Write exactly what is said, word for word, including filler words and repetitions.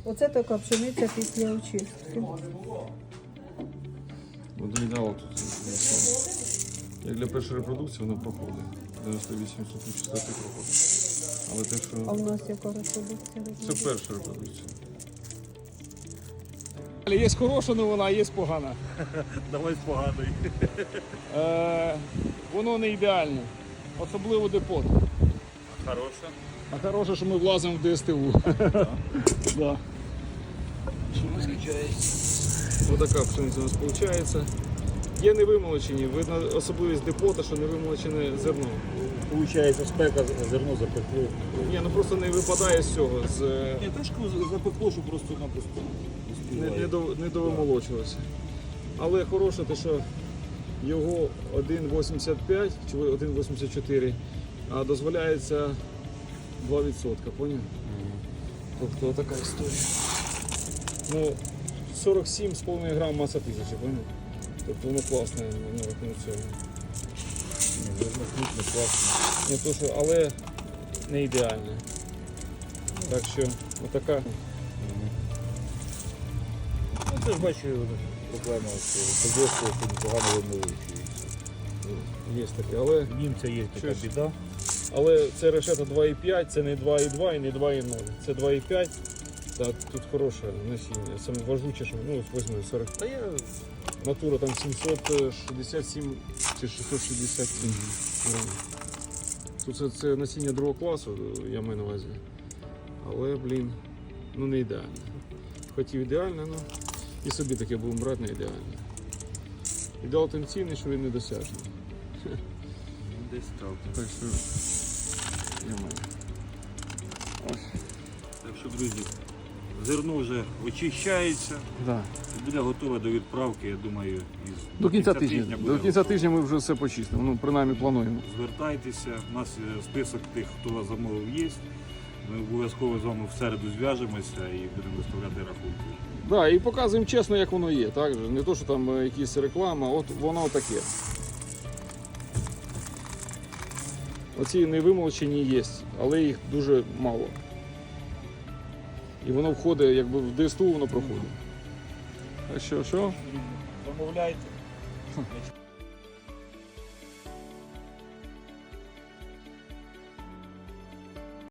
Оце така пшениця після очистки. От ідеал тут. Як для першої репродукції воно проходить. дев'яносто вісім сотень чистоти проходить. Але те, А в що нас яка репродукція? це перша репродукція. Є хороша новина, а є погана. Давай з поганої. Е, воно не ідеальне, особливо депот. Хороша. А хороше, що ми влазимо в ДСТУ. Да. Ось така пшениця у нас виходить. Є невимолочені, видно особливість депота, що невимолочене зерно. Получається, спека, зерно запекло. Ні, ну просто не випадає з цього, з, Ні, трошки запекло, що просто-напросто не, не, до, не довимолочилося. Але хороше те, що його один вісімдесят п'ять чи один вісімдесят чотири, а дозволяється два відсотки, поняв? Тобто така історія. Ну, сорок сім з половиною грам маса тисячі, поняв? Тобто воно класне на рахунок цього. Не то, що, але не ідеальне. Так що, отака. Ну, це ж бачу, проблема, що подвозку погано вимовуючи. Є таке, але, В німця є така Щось. біда. але це решета два і п'ять, це не два і два і не два і нуль. Це два і п'ять. Та тут хороше насіння. Саме важуче, що ну, візьми сорок. Та я натура там сімсот шістдесят сім чи шістсот шістдесят сім грамів. Тут це, це насіння другого класу, я маю на увазі. Але, блін, ну не ідеально. Хотів ідеально, ну і собі таке будемо брати не ідеально. Ідеал тим цінний, що він недосяжний. Десь так. Так що я маю. Ось. Так що, друзі, зерно вже очищається. Да. І буде готове до відправки, я думаю, із До кінця тижня. буде До кінця готове. тижня ми вже все почистимо. Ну, принаймні плануємо. Звертайтеся, у нас е, список тих, хто вас замовив, є. Ми обов'язково з вами в середу зв'яжемося і будемо виставляти рахунки. Да, і показуємо чесно, як воно є. Так? же? Не то, що там е, якісь реклама, от воно таке. Оці невимолчені є, але їх дуже мало. І воно входить, якби в ДСТУ воно проходить. Так що, що? Замовляйте.